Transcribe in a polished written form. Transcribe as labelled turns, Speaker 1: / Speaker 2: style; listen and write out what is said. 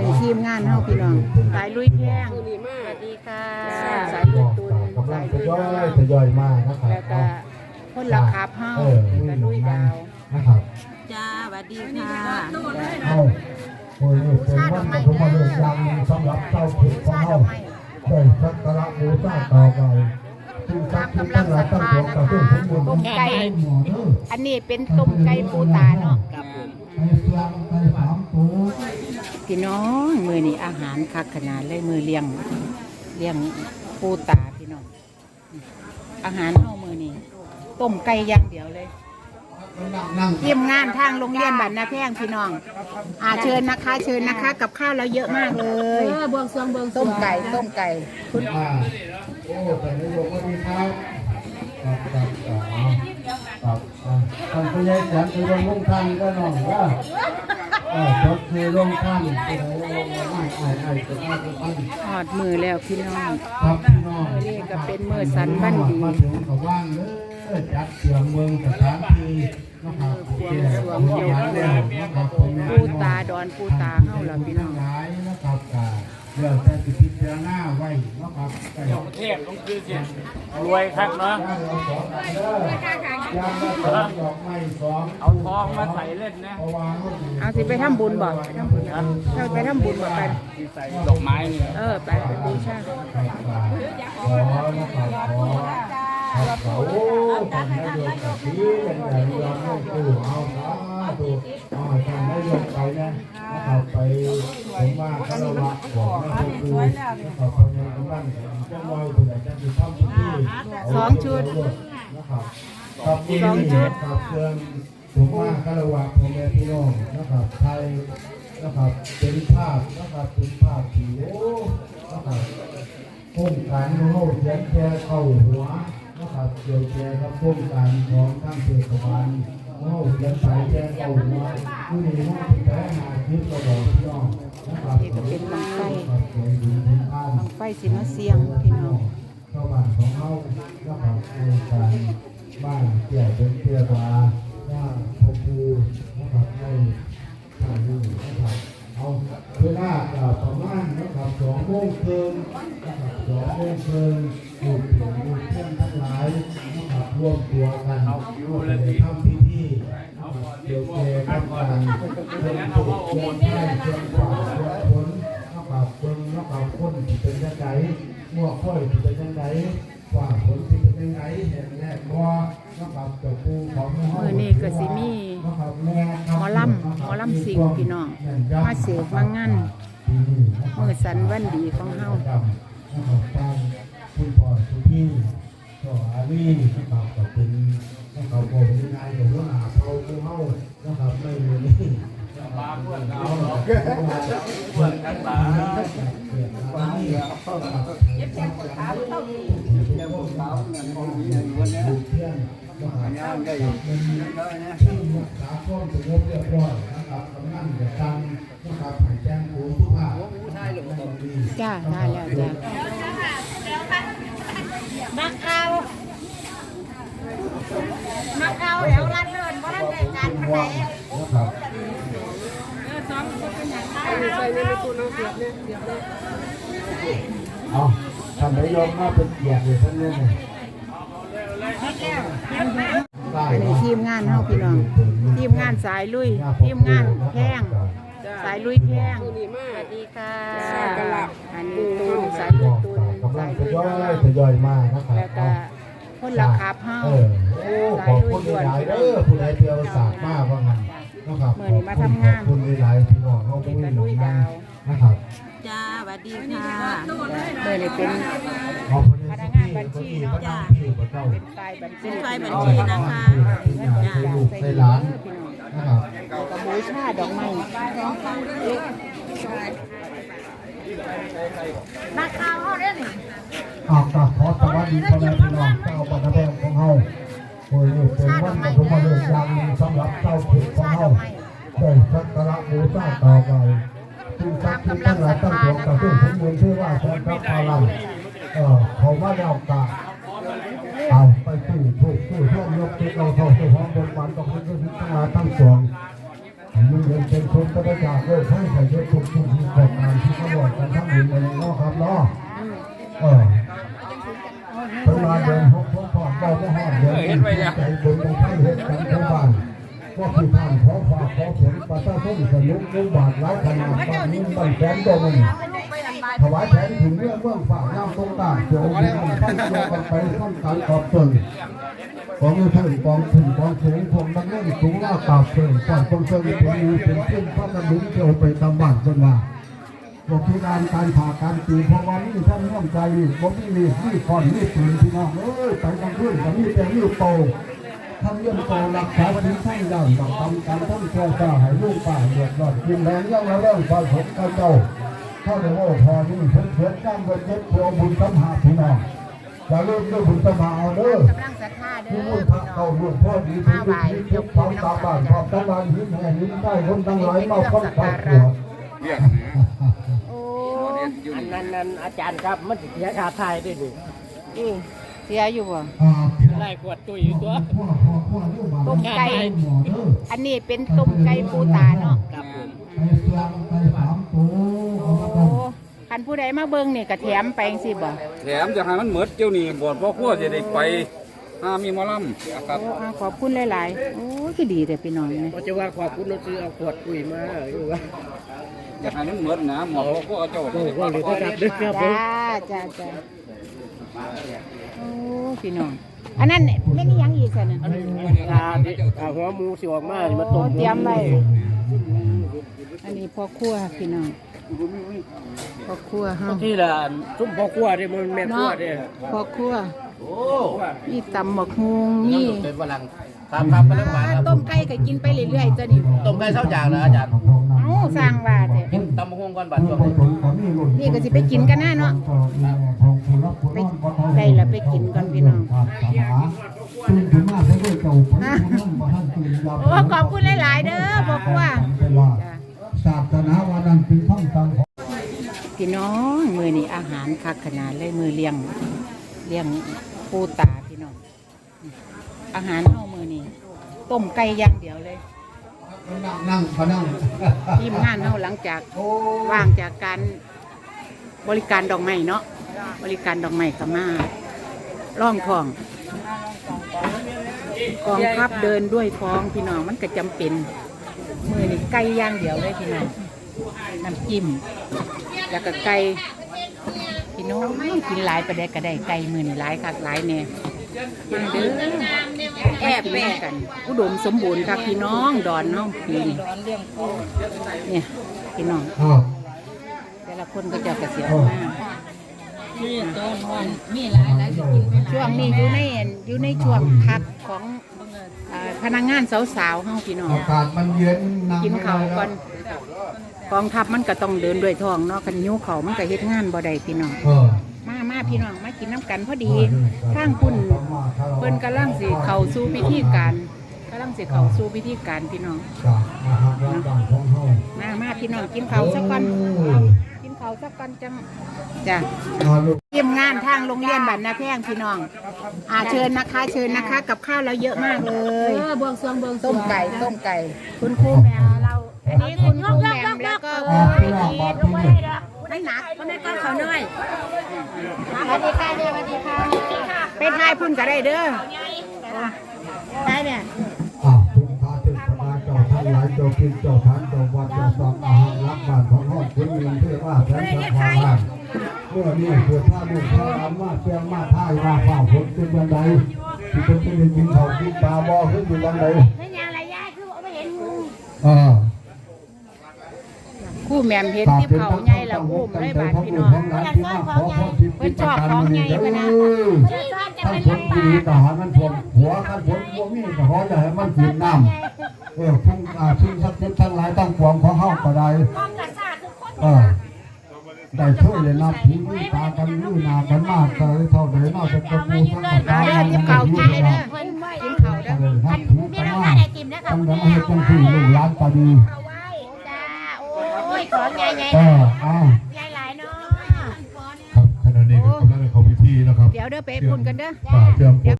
Speaker 1: นี้ทีมงานเฮาพี่น้องสายลุยแพงสวัสดีค่ะสายลุยตุนสายลุยน้อง
Speaker 2: ทยอยมานะครับ
Speaker 1: แล้วก็คนละขับเฮาแล้วก็ลุยดาว
Speaker 2: นะครับ
Speaker 3: จ้าสวัสดีค่ะ
Speaker 2: เอาโอ้ยเป็นวันปฐมฤกษ์ยังสำหรับเจ้าผิดของเฮาได้สักการะบูชาต่อไปซึ่งสักที่ตั้งหลายตั้งตัวกับเรื่องของบุญ
Speaker 1: ต้มไก่อันนี้เป็นต้มไก่ปูตาเนาะ
Speaker 2: ไปเสียงไปสามตัว
Speaker 1: พี่น้องมื้อนี้อาหารคักขนาดเลยมื้อเลี้ยงปูตาพี่น้องอาหารเฮามื้อนี้ต้มไก่อย่างเดียวเลยทีมงานทางโรงเรียนบ้านนาแพงพี่น้องเชิญนะคะกับข้าวเราเยอะมากเลย
Speaker 3: เบื้องซวง
Speaker 1: ต้มไก่
Speaker 2: โอ้แต่ในโลกวันนี้ครับท่านผู้ใหญ่แสนคือลงท่านก็น้องว่าจดคือลงท่านคือลงไม่จะท่าน
Speaker 1: หอดมือแล้วพี่น้อง
Speaker 2: ครับพี่น้อง
Speaker 1: นี่ก็เป็นมือสันบ้านดี
Speaker 2: มาถึงกับว่างเลยจัดเสียงเมืองสถานที่นะครับ
Speaker 1: ปูตาดอนปูตาเฮาล่ะพี่น้อง
Speaker 2: นะครับเรื่องแต่สิพิจารณาไว้นะครับ
Speaker 4: เทพต้องคือเสียรวยครับเนาะเอาทองมาใส่เล่นนะ
Speaker 1: เอาสิไปทำบุญบ่ไปทำบุญบ่กัน
Speaker 4: ใส่ดอกไม้เนี่ย
Speaker 1: ไปบูชา
Speaker 2: โอ้ทำได้ยกกับที่เป็นใหญ่ยอมให้ตู้เอาดูทำได้ยกไปนะครับไปผมว่าคารวะบอกให้ดูนะครับคนในบ้านจะลอยผู้ใดจะมีท่าที่
Speaker 1: 2 ชุด
Speaker 2: นะครับกับ2 ชุดกับเครื่องผมว่าคารวะพ่อแม่พี่น้องนะครับไทยนะครับเป็นภาพนะครับเป็นภาพที่โอ้นะครับโครงการโน้ตเขียนแค่เข้าหัวนะครับเกี่ยวแก่กับโครงการของทั้งเทศบาลโน้ตเขียนสายแค่เข้าหัวผู้นี้โน้ตแพ้หาคิดกระบอกพี่น้องนะครับ
Speaker 1: นี่ก็เป็นบังไฟสิมาเสียงพี่น้อง
Speaker 2: ชาวบ้านของเขานะครับโครงการบ้านเกี่ยวเป็นเกี่ยวกับว่าพ่อครูนะครับให้ทางนี้นะครับเอาเวลาประมาณนะครับ2 โมงครึ่งนะครับ2 โมงครึ่งลูกถึงลูกเพื่อนทั้งหลายนะครับร่วมตัวกันในทำพิธีเกี่ยวกับการเรื่องถูกเรื่องให้เรื่องฝ่าเรื่องผลนะครับเรื่องนะครับคนที่เป็นยังไงมั่วค่อยที่เป็นยังไงฝ่าผลที่เป็นยังไงเห็นแรกว่านะครับเจ้าปู่ของเฮา
Speaker 1: มื้อนี้ก็สิมีหมอลำสิงพี่น้องมาเสกมางานมื้อสันวันดีของเฮา
Speaker 2: คุณพ่อสุพี่ก็อาลีนะครับก็เป็นนะครับผมนายของหัวหน้าเผ่าผู้เฮานะครับไม่มีนี่บางเพื่อนเราเพื่อนกันบ้างวันนี้เย็บแขนขาเท่านี้เจ้าพวกเขาเนี่ยคนดีวันนี้เพื่อนก็หางานได้เป็นที่รักษาความสงบเรียบร้อยนะครับกำนันจะตั้งนะครับให้แจ้งผู้ทุกภาค
Speaker 1: จ้าได้แล้วจ้ามักเอาแล้วรัดเลินเพราะรัดในการขนาย
Speaker 2: นะครับเอาทำให้ยอมมาเป็นเกียรติเลยท่านเนี่ย
Speaker 1: อันนี้ทีมงานเฮาพี่น้องทีมงานสายลุยทีมงานแพงสายลุยแพงสวัสดีค่ะอันนี้ตูนสายลุยตูนสายลุยน้อง
Speaker 2: ทยอยมานะครับ
Speaker 1: แล้วก็คนละขับเฮา
Speaker 2: สายลุยด่วนผู้ใดเที่ยวสากมากว่างั้นนะครับ
Speaker 1: เมื่อนี้มาทำงาน
Speaker 2: คุณหลายพี่น้องเขาเป็นลุยดาวนะครับ
Speaker 3: จ้าสวัสดีค่ะ
Speaker 1: เมื่อนี้เป็นพนักงานบัญชีเนาะเป็นฝ่ายบัญชี
Speaker 3: นะคะ
Speaker 2: จ้าลูกในร้านนะครับ
Speaker 1: กับบูชาดอกไม้นักข่าวเขาเนี่ยนี่
Speaker 2: ขอสวัสดีพ่อแม่พี่น้องเจ้าบ้านแพงของเฮาโอ้ยเป็นวันปฐมฤกษ์ยังสำหรับเจ้าผิดของเฮาได้สักการะบูชาต่อไปซึ่งสักที่ตั้งหลายตั้งตัวกับซึ่งผมเรียนชื่อว่าแสนพระพาลังเขาว่าเรากะเอาไปสู้ท่วมยกที่เราเข้าสู่ห้องบนวันต้องเป็นทั้งหลายทั้งสองมันเป็นคนกระจายโลกให้ใส่เยอะทุกที่ขอบกันทั้งหมดเลยเนาะครับเนาะเวลาเดินพบผ่อนเบาไม่ห้ามเดินใจบุญกันทั้งเหตุกันทั้งบ้านก็คือท่านขอฝากขอผลประชาชนสนุกมุ่งบาทไร้ขนาดบ้านนี้บ้านแสนโดนถวายแผนถึงเรื่องฝากน้ำตรงต่างเกี่ยวกับตั้งตัวกันไปต้นการขอบตนของมือถือกองถึงกองสูงผมดังเล่นสูงหน้าตาเสื่อมก่อนตรงเสื่อมเป็นมือเป็นขึ้นพระกระดุมเกี่ยวไปตามบ้านจนว่าบอกที่การผ่าการตีเพราะว่านี่ท่านร่วมใจบอกนี่ก่อนนี่ตื่นพี่น้องไปกลางคืนกับนี่เป็นนี่โตท่านเรื่องโตรักษาวันนี้ท่านย่างกับทำการท่านเจ้าเจ้าให้ลูกป่าเดือดร้อนกินแรงย่างแล้วเรื่องความสมกับเจ้าพ่อเดี๋ยวพอนี่เพื่อนจ้างเงินเย็บเพื่อบุญสมหาพี่น้องจะเริ่มด้วยบุญสมหาเอาเด้อก
Speaker 1: ำลังศรัทธาเด้
Speaker 2: ที่
Speaker 1: อ
Speaker 2: มุ่ง
Speaker 1: พี่
Speaker 2: พัก
Speaker 1: น้อ
Speaker 2: เข้าง ลูกพ่อดีที่ดีที่พร้อมตาบ้านพร้อมตาบ้านหินแห่หินใต้คนทั้งหลายมาพ้นความปวด
Speaker 4: เรียก
Speaker 1: โอ้
Speaker 4: อันนั้นอาจารย์ครับมันเสียค่าไทยด้วยดิ
Speaker 1: เสียอยู่บ่
Speaker 4: ไล่ขวดตุ้ยอยู่ตัว
Speaker 1: ต้มไก่อันนี้เป็นต้มไก่ปูตาเนาะ
Speaker 4: ครับผม
Speaker 2: ไปเสียงไปสามตัว
Speaker 1: โอ้คันผู้ใดมาเบิ่งนี่ก็แถมไปจังซี่บ่
Speaker 4: แถมจะให้มันเหมือนเจ้านี่บวชพ่อขั้วจะได้ไปมีหมอลำครับ
Speaker 1: โอ้ขอบคุณหลายๆโอ้คือดีแต่พี่น้องนี่
Speaker 5: ก็จะว่าขอบคุณเราซื้อเอาขวดปุ๋ยมาอยู่ว่า
Speaker 4: จะให้มันเหมือนนะหมอพ่อขั้วเจ้า
Speaker 5: โอ้โหหรือถ้าจับดึกครับผม
Speaker 1: จ้าโอ้พี่น้องอันนั้นแม่นอีหยังอีกซั่นน่ะ
Speaker 5: หัวหมูสิออกมามา
Speaker 1: โอ้
Speaker 5: ต้ม
Speaker 1: เตรียมไว้อันนี้พ่อครัวพี่น้องพ่อครัวเฮา
Speaker 5: ที่ละซุ่มพ่อครัวที่มันแม่ครัว
Speaker 1: เนาะ
Speaker 5: เนี่ย
Speaker 1: พ่อครัว
Speaker 5: โอ้
Speaker 1: มีตำหมกฮุงมี
Speaker 5: เป็นฝรั่งครับไปเรื่องหวานครับ
Speaker 1: ต้มไก่ก็กินไปเรื่อยๆตัวนี้
Speaker 5: ต้มไก่เท่าอย่างนะอาจารย์
Speaker 1: เอ้าสร้างว่าแต่
Speaker 5: ตำมะฮวงก่อนบัดช่วงนี้
Speaker 1: นี่ก็สิไปกินกันนะเนาะไปได้ละไปกินก่อนพี่น้องโอ้ขอบคุณหลายๆเด้อพ่อครัวจ้ะ
Speaker 2: ศาสนาวันนั้นเป็นท่องจำของ
Speaker 1: พี่น้องมื้อนี้อาหารคักขนาดเลยมื้อเลี้ยงปูตาพี่น้องอาหารเฮามื้อนี้ต้มไก่อย่างเดียวเลย
Speaker 2: นั่งเขานั่ง
Speaker 1: ทีมงานเฮาหลังจากว่างจากการบริการดอกไม้เนาะบริการดอกไม้ก็มาร่องทองกองทัพเดินด้วยท้องพี่น้องมันก็จำเป็นมือนี่ไก่ย่างเดียวเลยพี่น้องน้ำจิ้มแล้วก็ไก่พี่น้องกินหลายประเด็กก็ได้ไก่มือนี่หลายคักหลายแน่มาเด้อแอบแม่กันอุดมสมบูรณ์ครับพี่น้องดอนเนาะปีนี้เนี่ยพี่น้อง
Speaker 2: อ้าว
Speaker 1: แต่ละคนก็จะเกษียณ
Speaker 2: อ้าว
Speaker 1: มากช่วงนี้อยู่ในช่วงพักของพนักงานสาวๆเฮาพี่น้อง
Speaker 2: อากาศมันเย็นนั่ง
Speaker 1: กิน
Speaker 2: ไม่
Speaker 1: ข้าว
Speaker 2: ได้
Speaker 1: ก่อนกองทัพมันก็ต้องเดินด้วยท้องเนาะคันหิวข้าวมันก็เฮ็ดงานบ่ได้พี่น้องมาพี่น้องมากินน้ำกันพอดีทางคุณเพิ่นกำลังสิเข้าสู่พิธีการพี่น้อง
Speaker 2: จากอาหารร้านต่างของเฮา
Speaker 1: มาพี่น้องกินข้าวสักก่อนกินข้าวสักก่อนจังจ้ะ
Speaker 2: ลูก
Speaker 1: ทีมงานทางโรงเรียนบ้านนาแพงพี่น้องเชิญนะคะกับข้าวเราเยอะมากเลยบวงสรวงต้มไก่คุณครูแหม่มเราอันนี้คุณครูแหม่มแล้วก็คุณไอทีไม่หนักไม่ก้อนเขาน้อยสวัสดีค่ะเป็นทายพุ่นก็ได้เด้อได้เนี่ย
Speaker 2: ทุกท่าเทศนาเจ้าทั้งหลายเจ้ากินเจ้าทานเจ้าวัดเจ้าสอบอาหารรักบ้านของห้องคุณมีเพื่อว่าแสนสะพานเมื่อนี้เกิดท่าลูกท่าน้ำมาเชียงมาท่ายมาฝ่าฝนเป็นยังไงที่เป็นเป็นกินเขากินปลาบ่อขึ้นเป็นยังไง
Speaker 6: ไม่ยังไรยาคือไม่เห็นงู
Speaker 1: คู่แหม่มเห็นที่เขาใหญ่แล้วอุ้มเลยบาดพี่น้องเพิ่นชอบของใหญ่ปะนะ
Speaker 6: ที่ซ่อนจะ
Speaker 2: ขั้
Speaker 6: เป็น น
Speaker 2: ฝนดีทหารมันท่วมหัวขั้นฝนพวกนี้ก็ขออย่าให้มันฝืนน้ำทุ่งสักทิศทั้งหลายตั้งปวงของเฮาก็ได้
Speaker 6: ความกระซ่าคือคน
Speaker 2: ได้ช่วยเลยนะผีมือตากันมือนากันมากเลยเท่าไหร่น่าจะกระปูทั้งหมด
Speaker 1: มาเด้อทิพเขากินเลยเด้อ
Speaker 6: เพิ่นไว้
Speaker 1: กินเขาเด้อ
Speaker 2: ท่านผี
Speaker 6: มี
Speaker 2: กัน
Speaker 6: น้ำ
Speaker 2: มา
Speaker 6: ตาก ไอติมนะคะ
Speaker 2: ตั้ง
Speaker 6: คุณ
Speaker 2: แต่
Speaker 6: แม่
Speaker 2: ให้จังที่ลูกหลานก็ดี
Speaker 6: เอาไว้จ้าโอ้ยของใหญ่ใหญ่
Speaker 2: อ้าว
Speaker 6: ใหญ่หลายเนาะ
Speaker 2: ครับขณะนี้ก็กำลังเข้าพิธีนะครับ
Speaker 1: เดี๋ยวเด้อไปปุ่นกันเด้อ
Speaker 2: เตรียม